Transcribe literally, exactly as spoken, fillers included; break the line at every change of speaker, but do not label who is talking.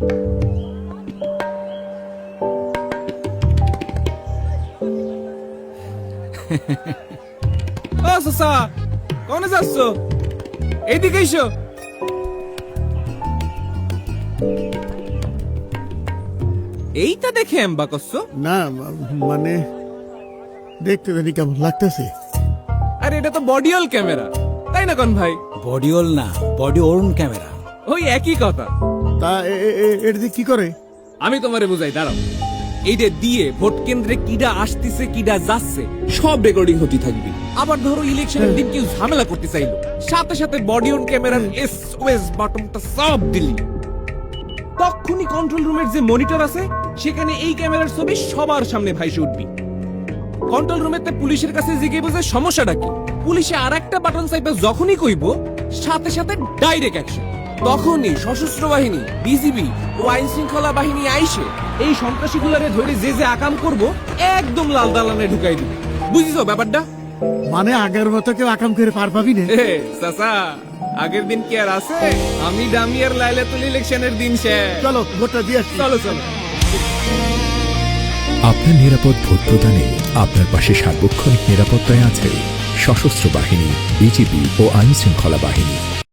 ও চাচা, কোনে যাচ্ছ? এইদিকে এসো। এইটা দেখে এম্বা করছো?
না মানে দেখতে জানি কেমন লাগতেছে।
আরে এটা তো বডিওল ক্যামেরা, তাই না কোন ভাই?
বডিওল না, বডি ওর্ন ক্যামেরা।
ওই একই কথা।
তা এটা দিয়ে কি করে?
আমি তোমারে বুঝাই, দাঁড়াও। এইটা দিয়ে ভোট কেন্দ্রে কিডা আসতেছে কিডা যাচ্ছে সব রেকর্ডিং হতে থাকবে। আবার ধরো ইলেকশনের দিন কেউ ঝামেলা করতে চাইলো, সাথে সাথে বডি অন ক্যামেরার এসওএস বাটনটা সব দিলি, তখনই কন্ট্রোল রুমের যে মনিটর আছে সেখানে এই ক্যামেরার ছবি সবার সামনে ভাইসে উঠবি। কন্ট্রোল রুমেতে পুলিশের কাছে জিজ্ঞেস বুঝে সমস্যাটা কি, পুলিশে আর একটা বাটন চাইবে যখনই কইব সাথে সাথে ডাইরেক্ট অ্যাকশন। তখনই সশস্ত্র বাহিনী, বিজিবি ও আইন শৃঙ্খলা বাহিনী আইসে এই সন্ত্রাসীগুলারে ধরে যে যে আকাম করব একদম লাল দালানে ঢুকাই দিবে। বুঝিছো ব্যাপারটা?
মানে আগের মতো কেউ আকাম করে পার পাবি না?
এ চাচা, আগের দিন কি আর আছে? আমি ডামিয়ার লাইলাতুল ইলেকশনের দিন শেষ।
চলো ভোটটা দিয়ে আসি।
চলো চলো।
আপনার নিরাপদ ভোট প্রদানে আপনার পাশে সার্বক্ষণিক নিরাপত্তায় আছে সশস্ত্র বাহিনী, বিজিবি ও আইন শৃঙ্খলা বাহিনী।